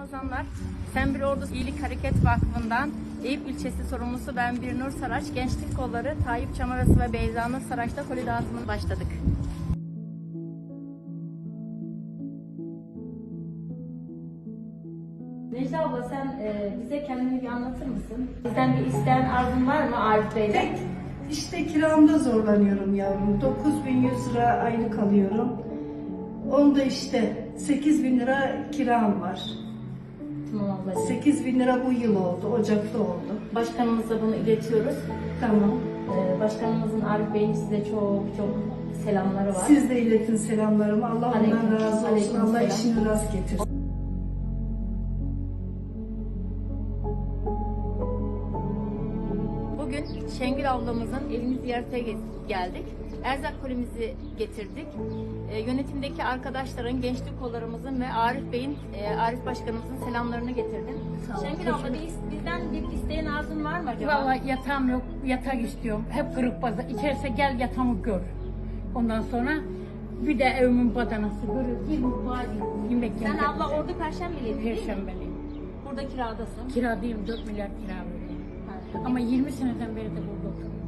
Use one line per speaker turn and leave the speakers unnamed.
Ramazanlar. Sen Bir Ordu İyilik Hareket Vakfı'ndan Eyüp ilçesi sorumlusu ben Birnur Saraç, Gençlik Kolları, Tayyip Çamarası ve Beyza Nur Saraç'ta koli dağıtımına başladık. Necla abla sen bize kendini bir anlatır mısın? Bizden bir isteyen arzun var mı Arif Bey'le?
Tek işte kiramda zorlanıyorum yavrum. 9.100 lira aylık alıyorum. Onda işte 8.000 lira kiram var.
Tamam ablacığım.
8.000 lira bu yıl oldu, Ocak'ta oldu.
Başkanımıza bunu iletiyoruz.
Tamam.
Başkanımızın Arif Bey'in size çok selamları var.
Siz de iletin selamlarımı. Allah
Aleyküm-
ondan razı olsun.
aleyküm
Allah
selam.
işini rast getirsin.
Bugün Şengül ablamızın evini ziyarete geldik. Erzak kolimizi getirdik. Yönetimdeki arkadaşların, gençlik kollarımızın ve Arif Bey'in, Arif Başkanımızın selamlarını getirdim.
Sağ ol,
Şengül abla bizden bir isteğin arzun var mı acaba?
Vallahi yatağım yok, yatak istiyorum. Hep kırık baza. İçerse gel yatağımı gör. Ondan sonra bir de evimin badanası görür. Bir mutfağa gir, yemek
Sen
yemek.
abla Ordu Perşembeliydi değil mi?
Perşembeliyim.
Burada kiradasın.
Kiradayım, 4 milyar kira veriyorum.
Ha.
Ama 20 seneden beri de burada oturuyorum.